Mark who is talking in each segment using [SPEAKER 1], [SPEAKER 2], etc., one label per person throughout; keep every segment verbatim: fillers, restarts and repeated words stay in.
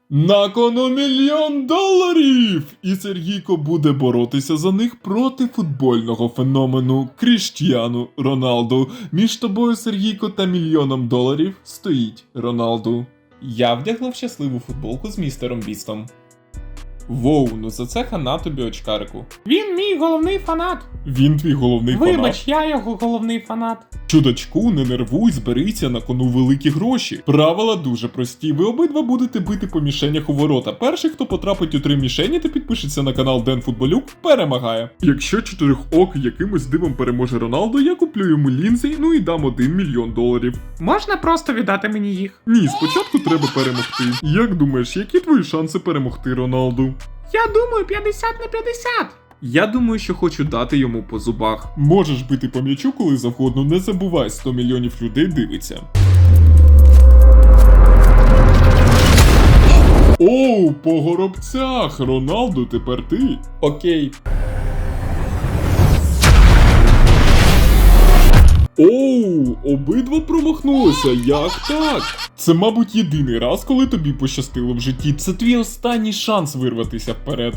[SPEAKER 1] На кону мільйон доларів! І Сергійко буде боротися за них проти футбольного феномену Кріштіану Роналду. Між тобою, Сергійко, та мільйоном доларів стоїть Роналду. Я вдягнув щасливу футболку з містером Бістом. Воу, ну за це хана тобі, очкарику.
[SPEAKER 2] Він мій головний фанат.
[SPEAKER 1] Він твій головний фанат.
[SPEAKER 2] Вибач, я його головний фанат.
[SPEAKER 1] Чудачку, не нервуй, зберися, на кону великі гроші. Правила дуже прості. Ви обидва будете бити по мішенях у ворота. Перший, хто потрапить у три мішені та підпишеться на канал Ден Футболюк, перемагає. Якщо чотирьох якимось дивом переможе Роналдо, я куплю йому лінзи, ну і дам один мільйон доларів.
[SPEAKER 2] Можна просто віддати мені їх?
[SPEAKER 1] Ні, спочатку треба перемогти. Як думаєш, які твої шанси перемогти Роналду?
[SPEAKER 2] Я думаю, п'ятдесят на п'ятдесят.
[SPEAKER 1] Я думаю, що хочу дати йому по зубах. Можеш бити по м'ячу, коли завгодно, не забувай, сто мільйонів людей дивиться. Оу, по горобцях! Роналду, тепер ти. Окей. Оу, обидва промахнулися, як так? Це, мабуть, єдиний раз, коли тобі пощастило в житті. Це твій останній шанс вирватися вперед.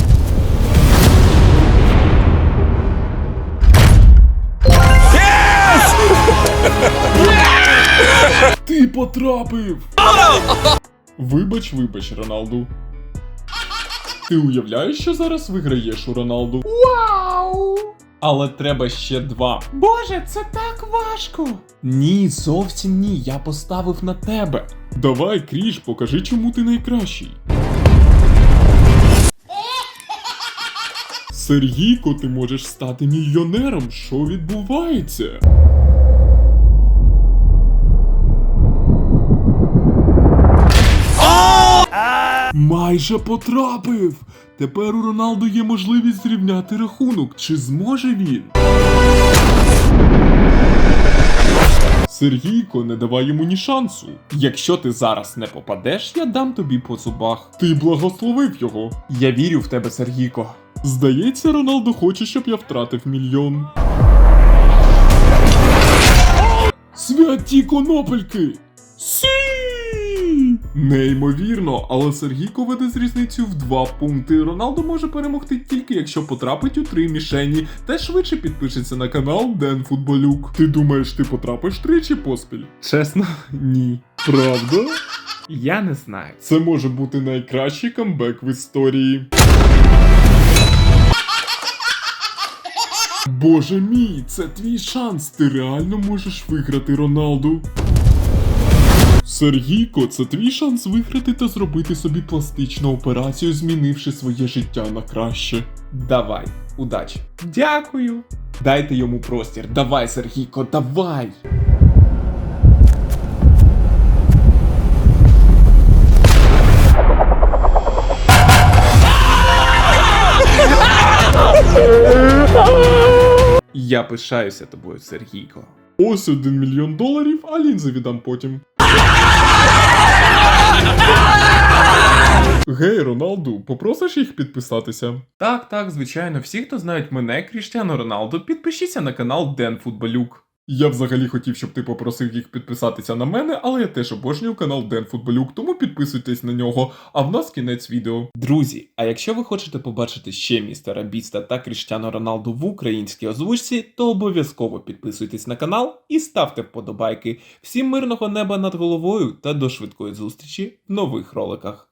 [SPEAKER 1] Ти потрапив! Вибач, вибач, Роналду. Ти уявляєш, що зараз виграєш у Роналду?
[SPEAKER 2] Вау!
[SPEAKER 1] Але треба ще два.
[SPEAKER 2] Боже, це так важко.
[SPEAKER 1] Ні, зовсім ні, я поставив на тебе. Давай, Кріш, покажи, чому ти найкращий. Сергійко, ти можеш стати мільйонером. Що відбувається? Майже потрапив! Тепер у Роналду є можливість зрівняти рахунок. Чи зможе він? Сергійко, не давай йому ні шансу. Якщо ти зараз не попадеш, я дам тобі по зубах. Ти благословив його. Я вірю в тебе, Сергійко. Здається, Роналду хоче, щоб я втратив мільйон. Святі конопельки! Сі! Неймовірно, але Сергійко веде з різницею в два пункти. Роналду може перемогти тільки якщо потрапить у три мішені, та швидше підпишеться на канал Ден Футболюк. Ти думаєш, ти потрапиш тричі поспіль? Чесно, ні. Правда?
[SPEAKER 2] Я не знаю.
[SPEAKER 1] Це може бути найкращий камбек в історії. Боже мій, це твій шанс, ти реально можеш виграти Роналду. Сергійко, це твій шанс виграти та зробити собі пластичну операцію, змінивши своє життя на краще. Давай, удачі.
[SPEAKER 2] Дякую.
[SPEAKER 1] Дайте йому простір. Давай, Сергійко, давай! Я пишаюся тобою, Сергійко. Ось один мільйон доларів, а лінзи віддам потім. Гей, Роналду, попросиш їх підписатися? Так, так, звичайно, всі, хто знають мене, Кріштіану Роналду, підпишіться на канал Ден Футболюк. Я взагалі хотів, щоб ти попросив їх підписатися на мене, але я теж обожнюю канал Ден Футболюк, тому підписуйтесь на нього, а в нас кінець відео. Друзі, а якщо ви хочете побачити ще містера Біста та Кріштіану Роналду в українській озвучці, то обов'язково підписуйтесь на канал і ставте вподобайки. Всім мирного неба над головою та до швидкої зустрічі в нових роликах.